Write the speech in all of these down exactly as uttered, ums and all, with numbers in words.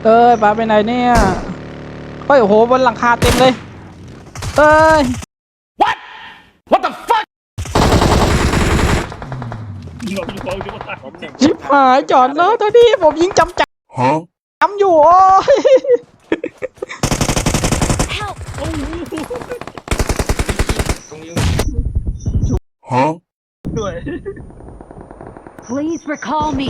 เอ้ยปาไปไหนเนี่ยเฮ้ยโอ้โหบนหลังคาเต็มเลยเอ้ย What What the fuck ชิบหายจอดแล้วตอนนี้ผมยิงจำจับจำอยู่โอ้ย Help! ตรงนี้ด้วย Please recall me.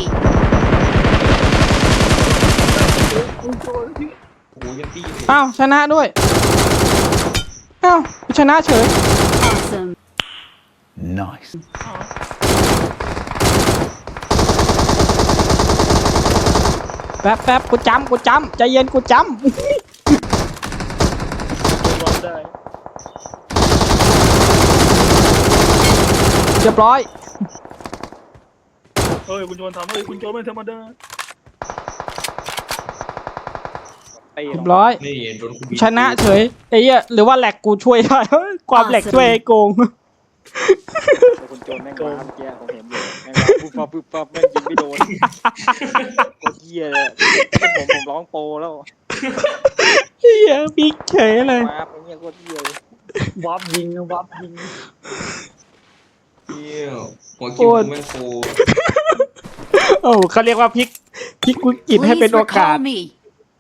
โอ้โหยังตีอยู่อ้าวชนะด้วยอ้าวชนะเฉย Awesome. Nice แป๊บแป๊บกูจำกูจำใจเย็นกูจบอลได้ำเรียบร้อยเฮ้ยคุณโจนทำเฮ้ยคุณโจนไม่ธรรมดาเรียบร้อยนี่โดนคุณชนะเฉยไอ้เหี้ยหรือว่าแหลกกูช่วยได้ ความแหลกช่วยไอ้โกงคุณโจนแม่งว้าเมื่อกี้ผมเห็นอยู่แม่งว้าปุ๊บปั๊บปุ๊บปั๊บแม่งยิงไม่โดนโคตรเหี้ยเลยเป็นผมผมร้องโปรแล้วเหี้ยบิ๊กเฉยเลยว้าเป็นเงี้ยโคตรเหี้ยเลยวับยิงวับยิงเที่ยวหัวคิวกูแม่งโคโอ้เขาเรียกว่าพลิกพลิกวิกฤตให้เป็น Please โอกาส recall me.